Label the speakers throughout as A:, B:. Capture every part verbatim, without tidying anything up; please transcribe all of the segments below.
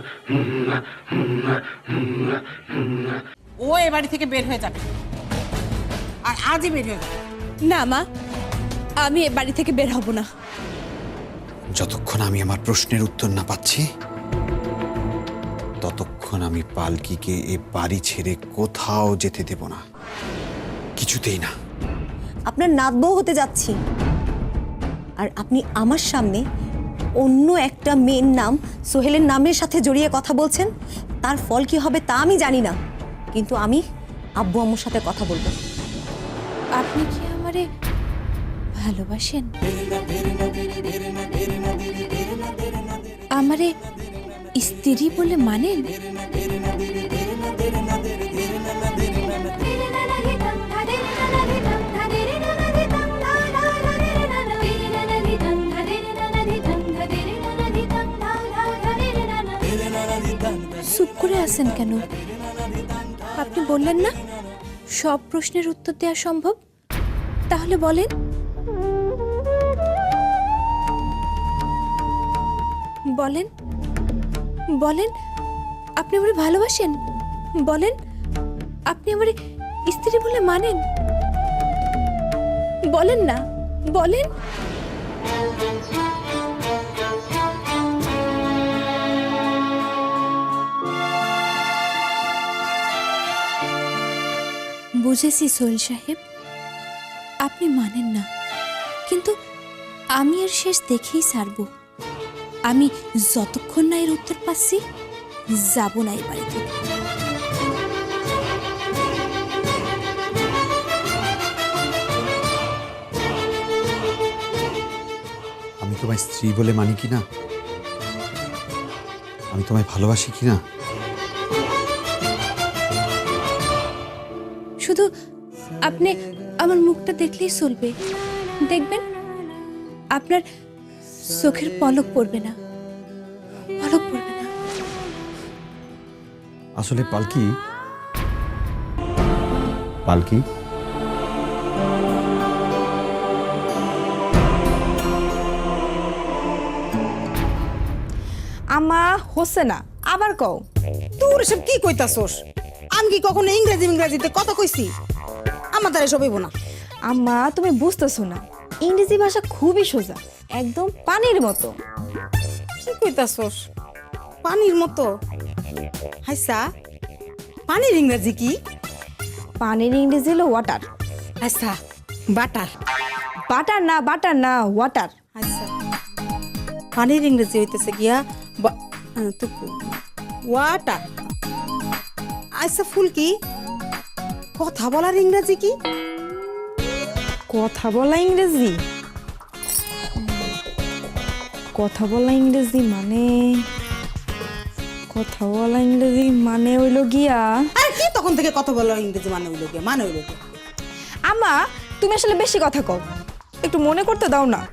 A: ও এ বাড়ি থেকে বের হয়ে যাবে, আর আজই বের হয়ে যাবে।
B: না মা, আমি এ বাড়ি থেকে বের হব না।
C: যতক্ষণ আমি আমার প্রশ্নের উত্তর না পাচ্ছি ততক্ষণ আমি পালকিকে এ বাড়ি ছেড়ে কোথাও যেতে দেব না, কিছুতেই না।
D: আপনার নাতবউ হতে যাচ্ছি, আর আপনি আমার সামনে অন্য একটা মেয়ের নাম সোহেলের নামের সাথে জড়িয়ে কথা বলছেন। তার ফল কি হবে তা আমি জানি না, কিন্তু আমি আব্বু আম্মুর সাথে কথা বলবো।
B: আপনি কি আমারে ভালোবাসেন? আমারে স্ত্রী বলে মানেন? চুপ করে আছেন কেন? আপনি বললেন না সব প্রশ্নের উত্তর দেওয়া সম্ভব, তাহলে বলেন। বলেন বলেন আপনি আমারে ভালোবাসেন? বলেন আপনি আমারে স্ত্রী বলে মানেন? বলেন না, বলেন। বুঝেছি সোহেল সাহেব, আপনি মানেন না, কিন্তু আমি এর শেষ দেখেই ছাড়ব। আমি যতক্ষণ না এর উত্তর পাচ্ছি যাব না এই বাড়িতে।
C: আমি তোমায় স্ত্রী বলে মানি কিনা, আমি তোমায় ভালোবাসি কিনা,
B: শুধু আপনি আমার মুখটা দেখলেই চলবে। দেখবেন আপনার চোখের পলক পড়বে না, পলক পড়বে না।
C: আসলে পালকি, পালকি
E: আমা হচ্ছে না, আবার কও।
A: তোর সব কি কইতাছস? আমি কি কখনো ইংরেজি ইংরেজিতে কথা কইছি? আমার দ্বারা সব হইব না।
E: আম্মা তুমি বুঝতেছো না, ইংরেজি ভাষা খুবই সোজা, একদম পানির মতো।
A: কি কইতাছস? পানির মতো? হাইসা, পানির ইংরেজি কি?
E: পানির ইংরেজি হলো ওয়াটার।
A: আচ্ছা, বাটার।
E: বাটার না, বাটার না, ওয়াটার।
A: আচ্ছা, পানির ইংরেজি হইতেছে গিয়া ওয়াটার। আচ্ছা ফুলকি, কথা বলার ইংরেজি কি?
E: কথা বলা ইংরেজি, কথা বলা ইংরেজি মানে, কথা বলা ইংরেজি মানে হইল গিয়া।
A: আর কি তখন থেকে কথা বলার ইংরেজি মানে হইল গিয়া, মানে হইল গিয়া।
E: আমা তুমি আসলে বেশি কথা কও, একটু মনে করতে দাও না।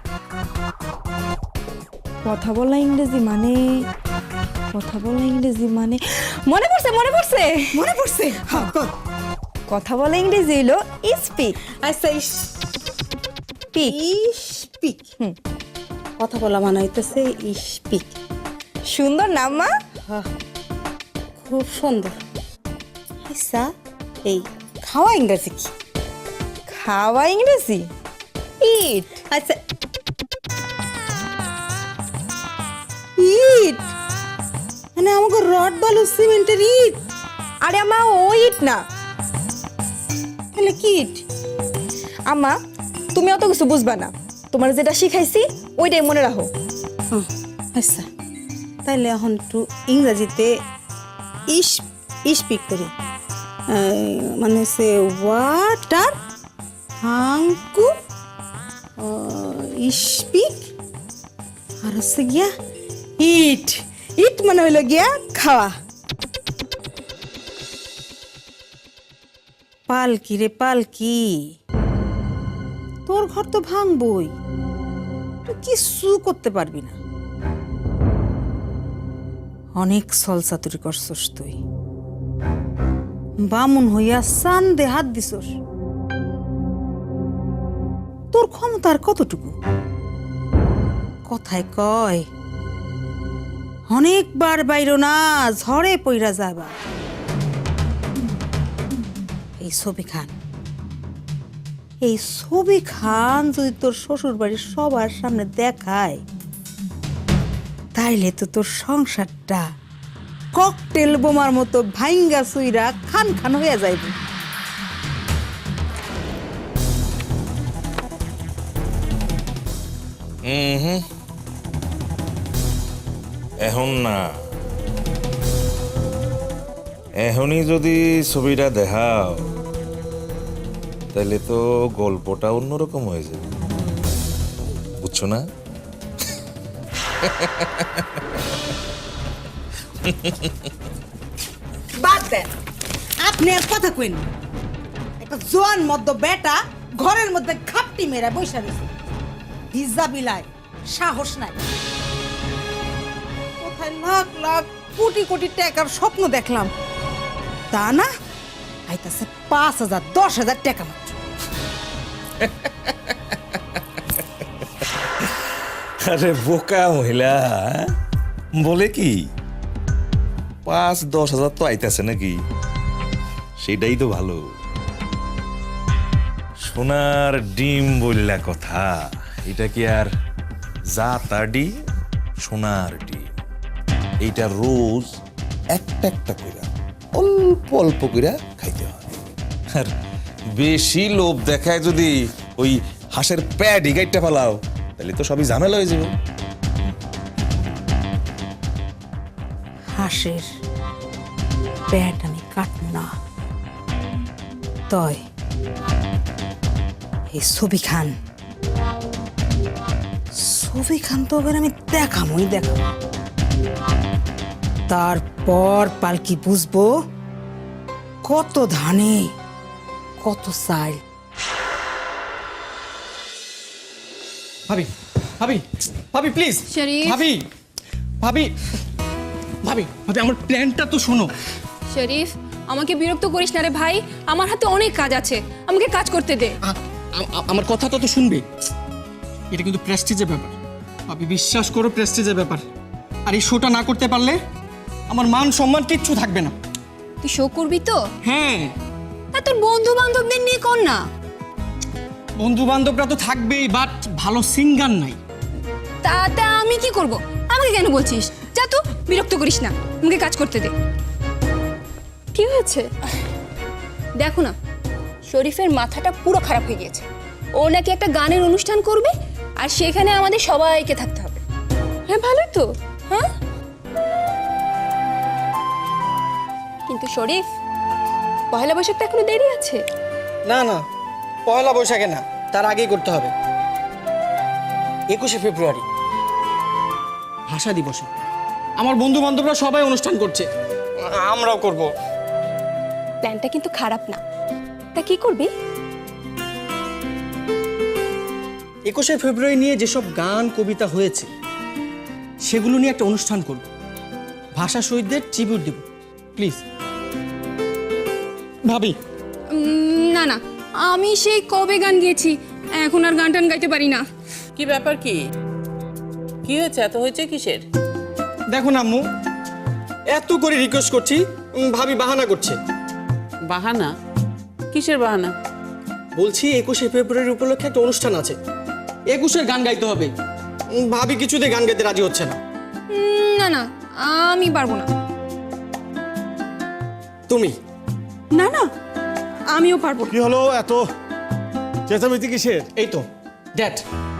E: কথা বলা ইংরেজি মানে, কথা বলা ইংরেজি মানে, মনে পড়ছে মনে পড়ছে
A: মনে পড়ছে? হ্যাঁ, কর।
E: কথা বলা ইংরেজি হইলো স্পিক।
A: আচ্ছা,
E: স্পিক,
A: স্পিক। হুম, কথা বলা মানে হইতেছে স্পিক।
E: সুন্দর নাম মা।
A: হ্যাঁ, খুব সুন্দর। আচ্ছা, এই খাওয়া ইংরেজি কি?
E: খাওয়া ইংরেজি ইট।
A: আচ্ছা, ইট মানে আমাকে রড বালু সিমেন্টের ইট?
E: আরে আমা ও ইট না,
A: তাহলে কি ইট?
E: আমা তুমি অত কিছু বুঝবা না, তোমার যেটা শিখাইছি ওইটাই মনে রাখো।
A: হুম, আচ্ছা, তাইলে এখন একটু ইংরেজিতে ইস স্পিক করি। মানে হচ্ছে ওয়াটার, হাঙ্কু, স্পিক, আর হচ্ছে গিয়া ইট। ইট মানে হইল গিয়া খাওয়া। পালকি রে পালকি, তোর ঘর তো ভাঙবই, তুই কিছু করতে পারবি না। অনেক ছলচাতুরি করছস তুই, বামুন হইয়া চান্দে হাত দিছস। তোর ক্ষমতার কতটুকু? কথায় কয় অনেকবার বাইরো না, ঝড়ে পইরা যাবা। এই ছবি খান, এই ছবি খান যদি তোর শ্বশুর বাড়ির সবার সামনে দেখায়, তাইলে তো তোর সংসারটা ককটেল বোমার মতো ভাইঙ্গা সুইরা খান খান হয়ে যাইবে।
F: হুম এখন না, এখনই যদি ছবিটা দেখাও তাহলে তো গল্পটা অন্যরকম হয়ে যাবে, বুঝছো না?
A: বাদ দেন, আপনি আর কথা কইন। একটা জোয়ান মদ্য বেটা ঘরের মধ্যে খাপটি মেরা বৈশা রয়েছে, হিজা বিলায় সাহস নাই। কোথায় লাখ লাখ কোটি কোটি টাকার স্বপ্ন দেখলাম, তা না আইতাছে পাঁচ হাজার দশ হাজার টাকা মাত্র।
F: আরে বোকা মহিলা, বলে কি পাঁচ দশ হাজার তো আইতাছে নাকি, সেটাই তো ভালো। সোনার ডিম বললা কথা, এটা কি আর যা তা ডিম? সোনার ডিম এইটা রোজ একটা একটা কইরা অল্প অল্প কইরা খাইতে হয়। আর বেশি লোভ দেখায় যদি ওই হাঁসের প্যাডি গাইটটা ফেলাও, তাহলে তো সবই ঝামেলা হয়ে যাবে।
A: হাঁসের পেট আমি কাটব না, তয় এই ছবি খান, ছবি খান তো এবার আমি দেখামই দেখাম। তারপর পালকি বুঝবো কত ধানে কত চাল।
G: ভাবি ভাবি ভাবি প্লিজ
H: শরীফ।
G: ভাবি ভাবি ভাবি ভাবি আমার প্ল্যানটা তো শোনো।
H: শরীফ, আমাকে বিরক্ত করিস না রে ভাই, আমার হাতে অনেক কাজ আছে, আমাকে কাজ করতে দে।
G: আ- আ- আমার কথাটা তো শুনবে। এটা কিন্তু প্রেস্টিজের ব্যাপার ভাবি, বিশ্বাস করো প্রেস্টিজের ব্যাপার। আর এই শোটা না করতে পারলে আমার মান সম্মান কিচ্ছু থাকবে না।
H: তুই শো করবি তো?
G: হ্যাঁ,
H: তা তোর বন্ধু বান্ধবদের নিয়ে কর না।
G: বন্ধু বান্ধবরা তো থাকবেই, বাট ভালো সিঙ্গার নাই।
H: তাতে আমি কি করব? আমাকে কেন বলছিস? যা তো, বিরক্ত করিস না, আমাকে কাজ করতে দে। কি হয়েছে দেখো না, শরীফের মাথাটা পুরো খারাপ হয়ে গিয়েছে। ও নাকি একটা গানের অনুষ্ঠান করবে, আর সেখানে আমাদের সবাইকে থাকতে হবে। হ্যাঁ ভালোই তো, হ্যাঁ। কিন্তু শরীফ, পয়লা বৈশাখ তো এখনো দেরি আছে।
G: না না, পয়লা বৈশাখে না, তার আগেই করতে হবে। একুশে ফেব্রুয়ারি ভাষা দিবসে আমার বন্ধু বান্ধবরা সবাই অনুষ্ঠান করছে, আমরাও করব।
H: প্ল্যানটা কিন্তু খারাপ না, তা কি করবি?
G: একুশে ফেব্রুয়ারি নিয়ে যেসব গান কবিতা হয়েছে সেগুলো নিয়ে একটা অনুষ্ঠান করব, ভাষা শহীদদের ট্রিবিউট দেব। প্লিজ ভাবি।
H: উম, না না, আমি সেই কবে গান গেয়েছি, এখন আর গান টান গাইতে পারি না।
I: কি ব্যাপার? কি কি হয়েছে? এত হয়েছে কিসের?
G: দেখো না আম্মু, এত করে রিকোয়েস্ট করছি, উম, ভাবি বাহানা করছে।
I: বাহানা? কিসের বাহানা?
G: বলছি একুশে ফেব্রুয়ারি উপলক্ষে একটা অনুষ্ঠান আছে, একুশের গান গাইতে হবে। উম, ভাবি কিছুতে গান গাইতে রাজি হচ্ছে না।
H: উম, না না, আমি পারবো না।
G: তুমি?
H: না না, আমিও পারবো না।
J: কি হলো এত চেঁচামেচি কিসের?
G: এই তো ড্যাড,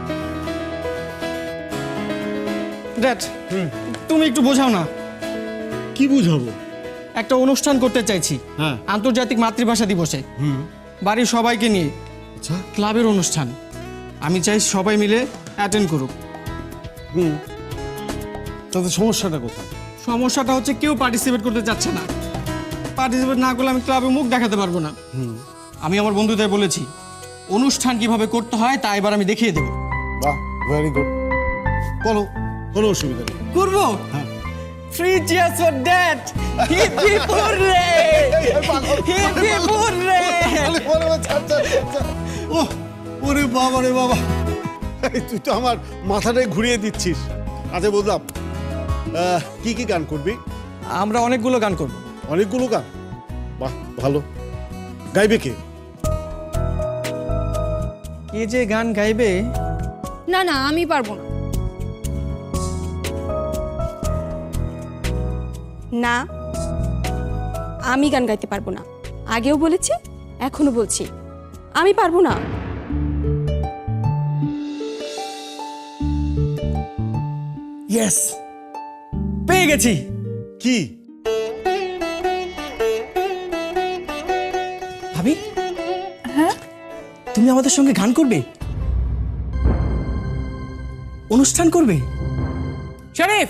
G: ড্যাড তুমি একটু বোঝাও না।
J: কি বুঝাবো?
G: একটা অনুষ্ঠান করতে চাইছি,
J: হ্যাঁ।
G: আন্তর্জাতিক মাতৃভাষা দিবসে, বাড়ির সবাইকে নিয়ে,
J: আচ্ছা।
G: ক্লাবের অনুষ্ঠান। আমি চাই সবাই মিলে অ্যাটেন্ড করুক।
J: হুম, তাতে সমস্যাটা কোথায়?
G: সমস্যাটা হচ্ছে কেউ পার্টিসিপেট করতে চাচ্ছে না। পার্টিসিপেট না করলে আমি ক্লাবে মুখ দেখাতে পারবো না। আমি আমার বন্ধুদের বলেছি অনুষ্ঠান কিভাবে করতে হয় তা এবার আমি দেখিয়ে দেবো।
J: বাহ, ভেরি গুড। বলো, কোনো অসুবিধা নেই।
G: করবো? Three cheers for dad. Hip hip hooray, hip hip hooray.
J: ও ওরে বাবা রে বাবা, এই তুই তো আমার মাথাটাই ঘুরিয়ে দিচ্ছিস। আচ্ছা বুঝলাম, আহ, কি কি গান করবি?
G: আমরা অনেকগুলো গান করব।
J: অনেকগুলো গান? বাহ, ভালো। গাইবে কে?
G: কে যে গান গাইবে?
H: না না আমি পারবো না। না আমি গান গাইতে পারবো না, আগেও বলেছি এখনো বলছি আমি পারবো না।
G: ইয়েস, পেয়ে গেছি।
J: কি?
G: ভাবি, হ্যাঁ তুমি আমাদের সঙ্গে গান করবে, অনুষ্ঠান করবে?
I: শরীফ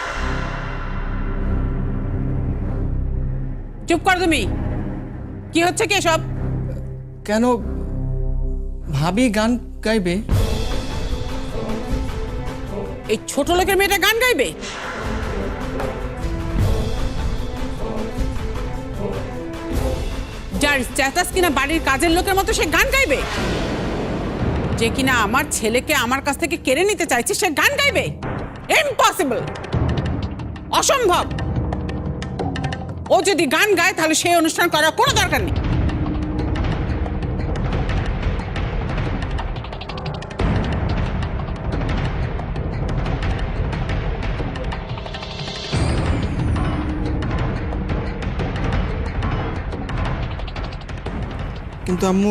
I: চুপ কর তুমি। কি হচ্ছে কি সব?
G: কেন ভাবি গান গাইবে?
I: এই ছোট লোকের মেয়েটা গান গাইবে? যার স্ট্যাটাস কিনা বাড়ির কাজের লোকের মতো সে গান গাইবে? যে কিনা আমার ছেলেকে আমার কাছ থেকে কেড়ে নিতে চাইছে সে গান গাইবে? ইম্পসিবল, অসম্ভব। ও যদি গান গায় তাহলে সেই অনুষ্ঠান করার কোনো দরকার নেই।
G: কিন্তু আম্মু,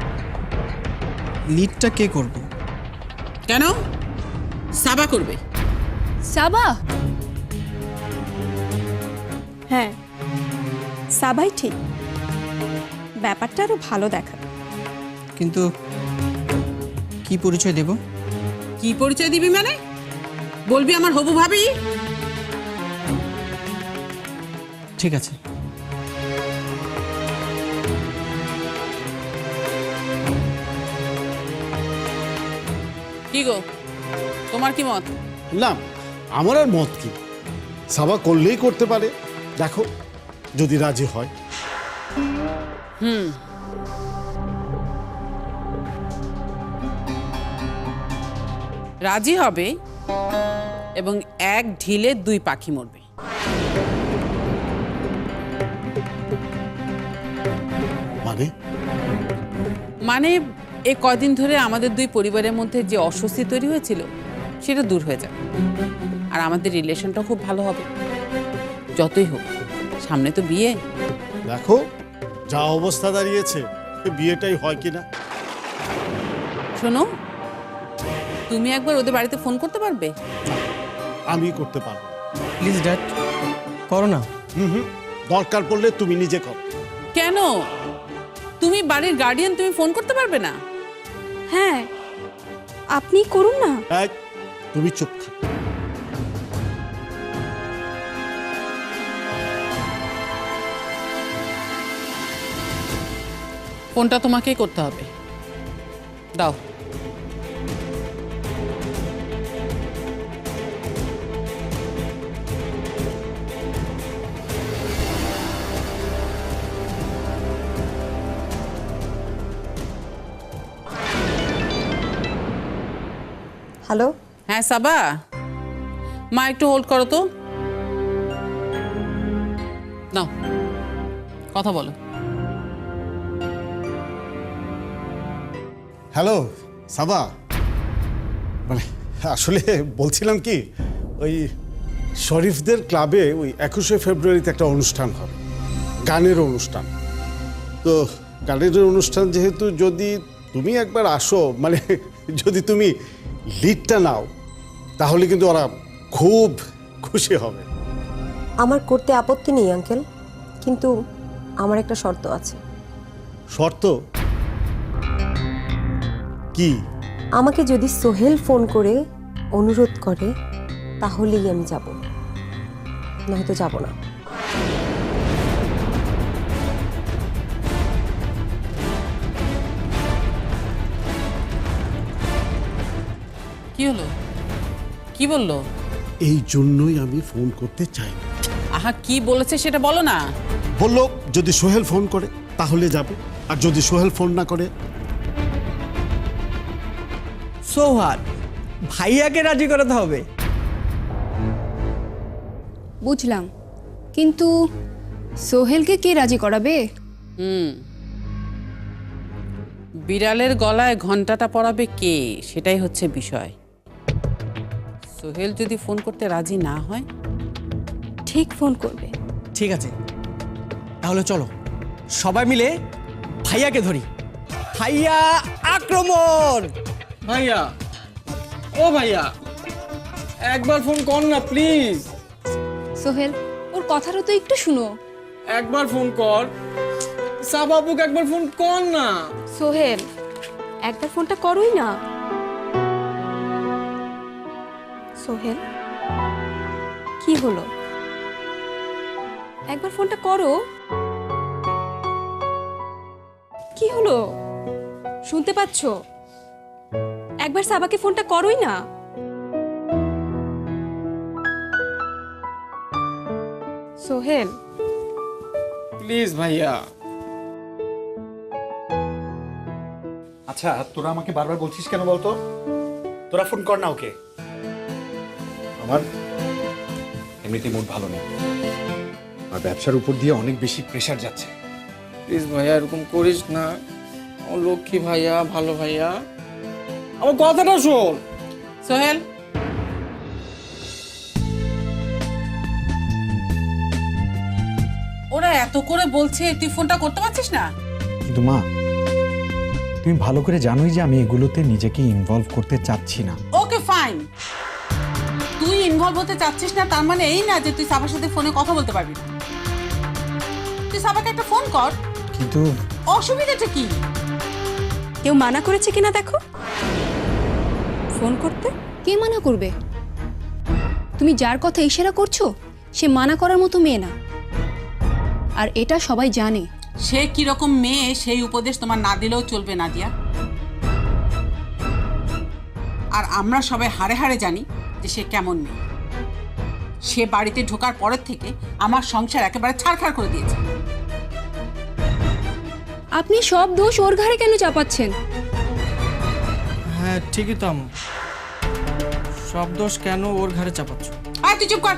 G: লিডটা কে করবে?
I: কেন? সাবা করবে।
H: সাবা? হ্যাঁ সাবাই ঠিক, ব্যাপারটা আরো ভালো দেখাবে।
G: কিন্তু কি পরিচয় দেব?
I: কি পরিচয় দিবি মানে? বলবি আমার হবু ভাবি?
G: ঠিক আছে।
I: কি গো, তোমার কি মত?
J: না, আমার আর মত কি, সাবা করলেই করতে পারে। দেখো যদি রাজি হয়।
I: হুম, রাজি হবে এবং এক ঢিলে দুই পাখি মরবে।
J: মানে?
I: মানে এই কদিন ধরে আমাদের দুই পরিবারের মধ্যে যে অস্বস্তি তৈরি হয়েছিল সেটা দূর হয়ে যাবে, আর আমাদের রিলেশনটা খুব ভালো হবে। যতই হোক সামনে তো বিয়ে।
J: দেখো যা অবস্থা দাঁড়িয়েছে, বিয়েটাই হয় কিনা।
I: শোনো, তুমি একবার ওদের বাড়িতে ফোন করতে পারবে?
J: আমি করতে পারবো।
G: প্লিজ ড্যাড, করো না।
J: হুম হুম, দরকার পড়লে তুমি নিজে করো।
I: কেন? তুমি বাড়ির গার্ডিয়ান, তুমি ফোন করতে পারবে না?
H: হ্যাঁ আপনি করুন না।
J: এক, তুমি চুপ থাকো।
I: ফোনটা তোমাকেই করতে হবে, দাও।
D: হ্যালো,
I: হ্যাঁ সাবা, মা একটু হোল্ড করো তো। নাও কথা বলো।
J: হ্যালো সাবা, মানে আসলে বলছিলাম কি, ওই শরীফদের ক্লাবে ওই একুশে ফেব্রুয়ারিতে একটা অনুষ্ঠান হবে, গানের অনুষ্ঠান। তো গানের অনুষ্ঠান যেহেতু, যদি তুমি একবার আসো, মানে যদি তুমি লিডটা নাও, তাহলে কিন্তু ওরা খুব খুশি হবে।
D: আমার করতে আপত্তি নেই আঙ্কেল, কিন্তু আমার একটা শর্ত আছে।
J: শর্ত কি?
D: আমাকে যদি সোহেল ফোন করে অনুরোধ করে তাহলেই আমি যাব, নয়তো যাব না।
I: কি হলো? কি বললো?
J: এই জন্যই আমি ফোন করতে চাই না।
I: আহা, কি বলেছে সেটা বলো না।
J: বললো যদি সোহেল ফোন করে তাহলে যাব, আর যদি সোহেল ফোন না করে।
G: সৌহার, ভাইয়াকে রাজি করাতে হবে।
H: বুঝলাম, কিন্তু সোহেলকে কে রাজি করাবে?
I: হুম বিড়ালের গলায় ঘন্টাটা পরাবে কে, সেটাই হচ্ছে বিষয়। সোহেল যদি ফোন করতে রাজি না হয়,
H: ঠিক ফোন করবে।
G: ঠিক আছে, তাহলে চলো সবাই মিলে ভাইয়াকে ধরি। ভাইয়া আক্রমণ! ভাইয়া, ও ভাইয়া, একবার ফোন কর না প্লিজ।
H: সোহেল, ওর কথাটা তো একটু শুনো।
G: একবার ফোন কর, সাবাবুক একবার ফোন কর না।
H: সোহেল, একবার ফোনটা করোই না। সোহেল, কি হলো? একবার ফোনটা করো। কি হলো? শুনতে পাচ্ছ? একবার সাবাকে ফোনটা করোই না। সোহেল,
G: প্লিজ ভাইয়া।
C: আচ্ছা, তোরা আমাকে বারবার বলছিস কেন বলতো? তোরা ফোন কর না ওকে। আমার এমনিতেই মুড ভালো নেই, আর ব্যবসার উপর দিয়ে অনেক বেশি প্রেশার যাচ্ছে।
G: প্লিজ ভাইয়া, এরকম করিস না। আমার লক্ষ্মী ভাইয়া, ভালো ভাইয়া, আমার কথাটা শোন।
I: সোহেল ওরা এত করে বলছে, তুই ফোনটা করতে পারছিস না?
C: কিন্তু মা, তুমি ভালো করে জানোই যে আমি এগুলোতে নিজেকে ইনভলভ করতে চাচ্ছি না।
I: ওকে ফাইন, তুই ইনভলভ হতে চাচ্ছিস না তার মানে এই না যে তুই সাবার সাথে ফোনে কথা বলতে পারবি না। তুই সাবাকে একটা ফোন কর।
C: কিন্তু
I: অসুবিধাটা কি?
H: কেউ মানা করেছে কিনা দেখো ফোন করতে। কে মানা করবে? তুমি যার কথা ইশারা করছো সে মানা করার মতো মেয়ে না, আর এটা সবাই জানে।
I: সে কিরকম মেয়ে সেই উপদেশ তোমার না দিলেও চলবে নাদিয়া। আর আমরা সবাই হাড়ে হাড়ে জানি যে সে কেমন মেয়ে। সে বাড়িতে ঢোকার পরের থেকে আমার সংসার একেবারে ছাড়খাড় করে দিয়েছে।
H: আপনি সব দোষ ওর ঘাড়ে কেন চাপাচ্ছেন?
G: হ্যাঁ ঠিকই তো আম্মু, সব দোষ কেন ওর ঘাড়ে চাপাচ্ছ?
I: আয় তুই চুপ কর।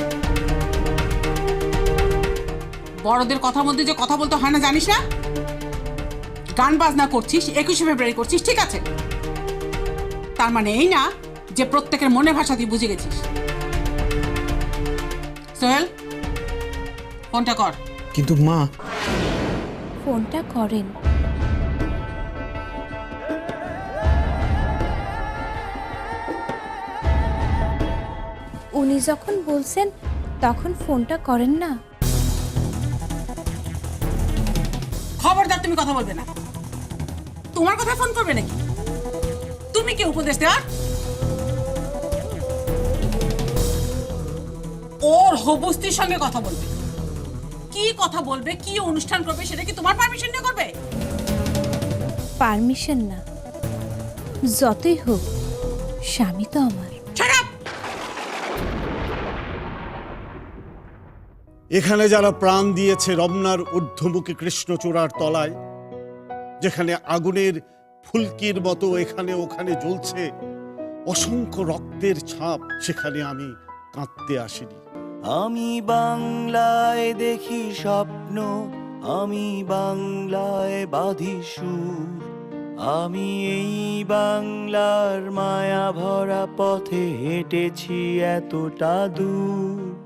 I: বড়দের কথার মধ্যে যে কথা বলতে হয় না জানিস না? গান বাজনা করছিস, একুশে ফেব্রুয়ারি করছিস, ঠিক আছে, তার মানে এই না যে প্রত্যেকের মনে ভাষা তুই বুঝে গেছিস। সোহেল ফোনটা কর।
C: কিন্তু মা,
B: ফোনটা করেন। উনি যখন বলছেন তখন ফোনটা করেন না।
I: খবরদার তুমি কথা বলবে না। তোমার কথা ফোন করবে নাকি? তুমি কি উপদেশ দেওয়ার? ওর হবুস্তির সঙ্গে কথা বলবে, কি কথা বলবে, কি অনুষ্ঠান করবে সেটা কি তোমার পারমিশন নিয়ে করবে?
B: পারমিশন না, যতই হোক স্বামী তো আমার।
J: এখানে যারা প্রাণ দিয়েছে রমনার ঊর্ধ্বমুখী কৃষ্ণচূড়ার তলায়, যেখানে আগুনের ফুলকির মতো এখানে ওখানে জ্বলছে অসংখ্য রক্তের ছাপ, সেখানে আমি কাঁদতে আসিনি।
K: আমি বাংলায় দেখি স্বপ্ন, আমি বাংলায় বাঁধি সুর, আমি এই বাংলার মায়া ভরা পথে হেঁটেছি এতটা দূর।